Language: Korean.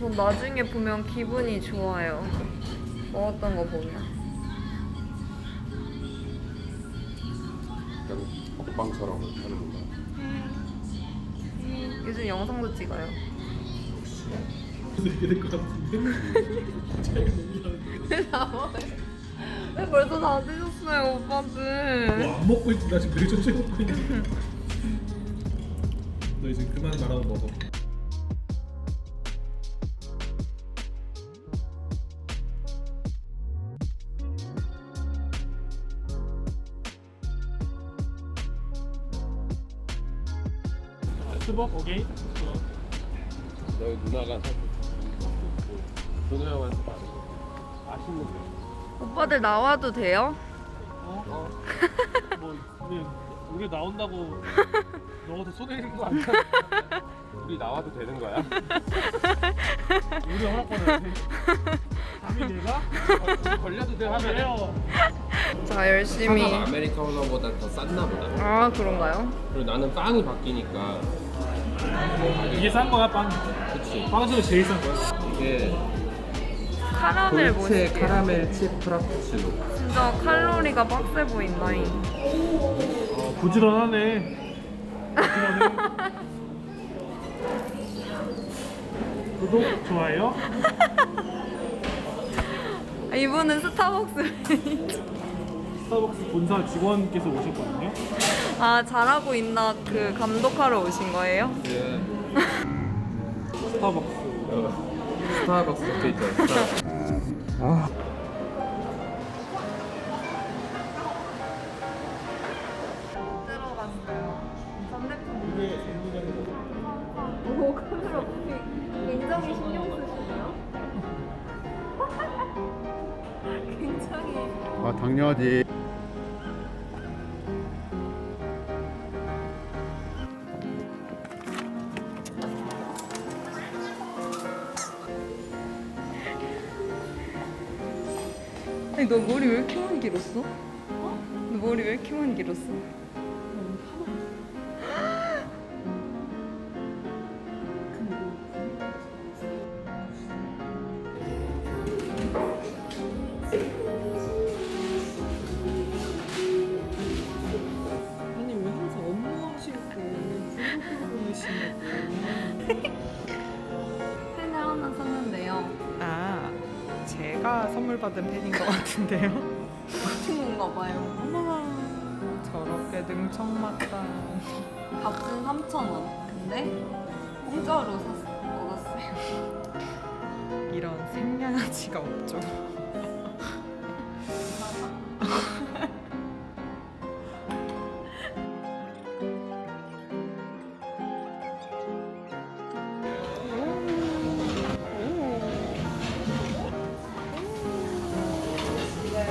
전 나중에 보면 기분이 좋아요. 먹었던 거 보면. 약간 먹방처럼 하는 건가요? 요즘 영상도 찍어요. 이렇게 될 것 같은데? 왜 벌써 다 드셨어요, 오빠들? 뭐 안 먹고 있지? 나 지금 되게 천천히 먹고 있는데. 너 이제 그만 말하고 먹어. 수박 오케이. 너희 누나가 사준 준호 형한테 받은 맛있는 거. 오빠들 나와도 돼요? 뭐 우리 나온다고 너가 더 쏘내는 거 아니야? 우리 나와도 되는 거야? 우리 허락받아야지. 감히 내가? 걸려도 돼 하면 자, 열심히. 사과가 아메리카노보다 더 쌌나 보다. 아, 그런가요? 그리고 나는 빵이 바뀌니까 이게 싼 거야 빵. 그치. 빵 중에 제일 싼 거야. 이게 카라멜 돌체 뭐지? 카라멜 칩 프라푸치노. 진짜 칼로리가 빡세 보인다잉. 부지런하네. 부지런해. 구독, 좋아요. 이분은 스타벅스. 스타벅스 본사 직원께서 오셨거든요. 아, 잘하고 있나 그 감독하러 오신 거예요? 예. 스타벅스. 스타벅스 적혀 있잖아. 스타벅스. 들어갔어요. 전대품. 오, 카메라 굉장히 신경 쓰시네요. 굉장히. 아 당연하지. 아니, 너 머리 왜 이렇게 많이 길었어? 너 머리 왜 이렇게 많이 길었어? 아니 왜 항상 업무하실 때 블로그로 보내시냐고. 펜을 하나 샀는데요. 아 제가 선물 받은 펜인 것 같은데요. 친구인가 봐요. 어머나 저렇게 능청맞다. 값은 3,000원. 근데 공짜로 얻었어요. 이런 생양아치가 없죠.